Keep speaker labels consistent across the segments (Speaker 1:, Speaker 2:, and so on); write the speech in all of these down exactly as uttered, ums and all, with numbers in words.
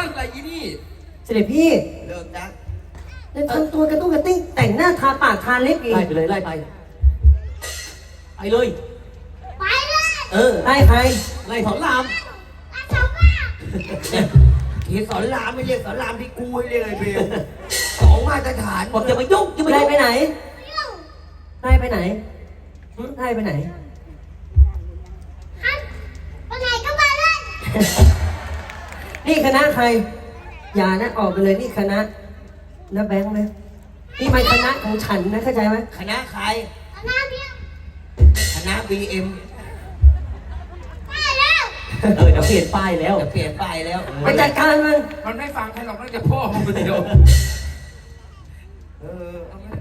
Speaker 1: อะไรอีนี่
Speaker 2: เสด็จพี่
Speaker 3: เลิกนะ
Speaker 2: แล้วทำตัวกระตุ้งกระติ้งแต่งหน้าทาปากทาเล็บอีก
Speaker 4: ไล่ไปเลยไล่ไปไปเลย
Speaker 5: ไปเลย
Speaker 4: เออ
Speaker 2: ไล่ใคร
Speaker 4: ไล่สอนราม
Speaker 5: อาสาวว่า
Speaker 3: ทีสอนรามไม่เรียกสอนรามที่กูให้เรียกไอ้เบลสองมาตรฐาน
Speaker 4: บอกอย่ามายุ่งอย่ามา
Speaker 2: ไล่
Speaker 4: ยุ่ง
Speaker 2: ไปไหน
Speaker 5: อยู่
Speaker 2: ไล่ไปไหนหึไล่ไปไหน
Speaker 5: ฮันไปไหนก็ไปเลย
Speaker 2: นี่คณะใคร อย่านะออกไปเลยนี่คณะนะแบงค์นะนี่ไม่คณะของฉันนะเข้าใจไหม
Speaker 3: คณะใคร
Speaker 5: เอาหน้าเบี้ยว
Speaker 3: คณะ บี เอ็ม
Speaker 5: ไปแล้ว
Speaker 4: เออเดี๋ยวเปลี่ยนป้ายแล้ว
Speaker 3: จะเปลี่ยนป้ายแล้ว
Speaker 2: ไปจัดการมัน
Speaker 1: มันไม่ฟังใครหรอกนอกจากพ่อมึงคนเดียว
Speaker 3: เออเอาไหม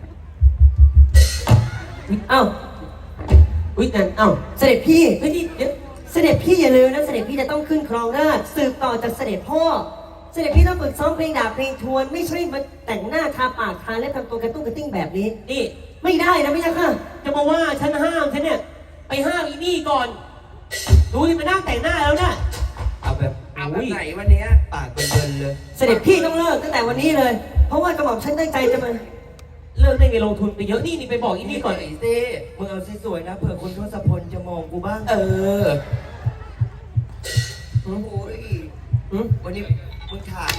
Speaker 2: เอ้า
Speaker 4: อุ้ยนั่นเอ้า
Speaker 2: เสด็จพี่
Speaker 4: เฮ้ยนี่เดี๋ยว
Speaker 2: เสด็จพี่อย่าลืมนะเสด็จพี่จะต้องขึ้นครองราชย์สืบต่อจากเสด็จพ่อ เสด็จพี่ต้องฝึกซ้อมเพลงดาบเพลงทวน ไม่ใช่มาแต่งหน้าทาปากทาและทำตัวกระตุ้งกระติ้งแบบนี้
Speaker 4: นี่
Speaker 2: ไม่ได้นะไม่ใช่ค่ะ
Speaker 4: จะมาว่าฉันห้ามฉันเนี่ยไปห้ามอีนี่ก่อนดูที่ไปนั่งแต่งหน้าแล้วนะ
Speaker 3: เอาแบบ
Speaker 1: เอาแบบไหนวันเนี้ย
Speaker 3: ปากเป็นเบินเลย
Speaker 2: เสด็จพี่ต้องเลิกตั้งแต่วันนี้เลย เพราะว่ากระหม่อมฉันตั้งใจจะมา
Speaker 4: เลิกได้ไงลงทุนไปเยอะนี่นี่ไปบอกอีนี่ก่อน
Speaker 3: ไอ้เต้มึงเอาสวยๆนะเผื่อคนทศพลจะมองกูบ้าง
Speaker 1: เออ
Speaker 3: โอ้ย
Speaker 2: หืม
Speaker 3: วันนี้มึงถาม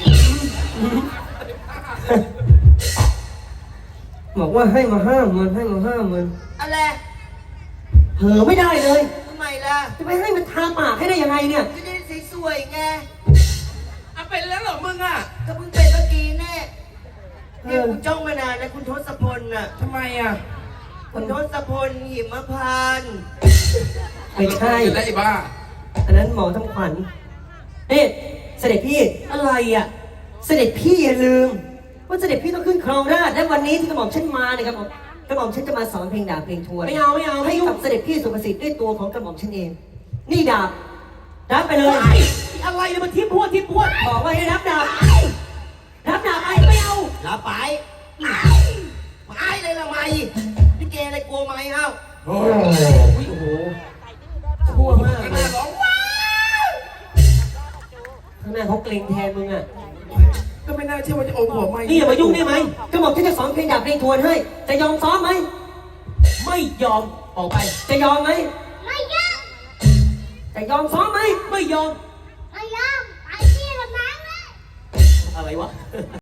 Speaker 2: บอกว่าให้มาห้ามมันให้มาห้ามมัน
Speaker 3: อะไร
Speaker 2: เผลอไม่ได้เลย
Speaker 3: ทำไมล่ะ
Speaker 2: จะไปให้มันทาปากให้ได้ยังไงเนี่ย
Speaker 3: จะได้สวยๆไง
Speaker 1: เอาเป็นแล้วเหรอมึงอ่ะ
Speaker 3: ก็เพิ่งเป็นเมื่อกี้แน่
Speaker 2: เอ
Speaker 3: เนี่ย
Speaker 2: อ
Speaker 3: กูจ้องมานานนะคุณทศพลน่ะ
Speaker 1: ทำไมอ่ะ
Speaker 3: คุณทศพลหิมพานต์
Speaker 2: ไม่ใช่
Speaker 1: ได้บ้า
Speaker 2: อันนั้นหมอทำขวัญนี่เสด็จพี่
Speaker 4: อะไรอ่ะ
Speaker 2: เสด็จพี่อย่าลืม ว่าเสด็จพี่ต้องขึ้นครองราชย์และวันนี้ที่กระหม่อมฉันมาเนี่ยกระหม่อมกระหม่อมฉันจะมาสอนเพลงดาบเพลงทวน
Speaker 4: ไม่เอาไม่เอาไม่
Speaker 2: ให้
Speaker 4: ยุ่ง
Speaker 2: กับเสด็จพี่สุภสิทธิ์ด้วยตัวของกระหม่อมฉันเอง นี่ดาบรับไปเลย
Speaker 4: ไอ้อะไรเนี่ยมันทิพพวดทิพพวด
Speaker 2: บอกว่าให้รับดาบรับดาบไป
Speaker 4: ไม่เอา
Speaker 3: ลาไปไปเลยละไม่พี่เกอะไรกลัวไหมเอ้า
Speaker 1: โอ้
Speaker 4: อุ้ยโอ้โหชั่วมาก
Speaker 1: ไม่
Speaker 4: เล
Speaker 1: น่าย ร้องว้าว
Speaker 4: ข้างหน้าเขาเกรงแทนมึงอ่ะ
Speaker 1: ก็ไม่น่าเชื่อว่าจะอมหัวไม่
Speaker 4: นี่อย่ามายุ่งได้ไหม
Speaker 2: กระหม่อมฉันจะสอนเพลงดาบเพลงทวนให้ จะยอมซ้อมไหม
Speaker 4: ไม่ยอมออกไป
Speaker 2: จะยอมไหม
Speaker 5: ไม่ยอม
Speaker 2: จะยอมซ้อมไหม
Speaker 4: ไม่ยอม
Speaker 5: ไม่ยอมไปที่ละมั้งเลย
Speaker 4: อะไรวะ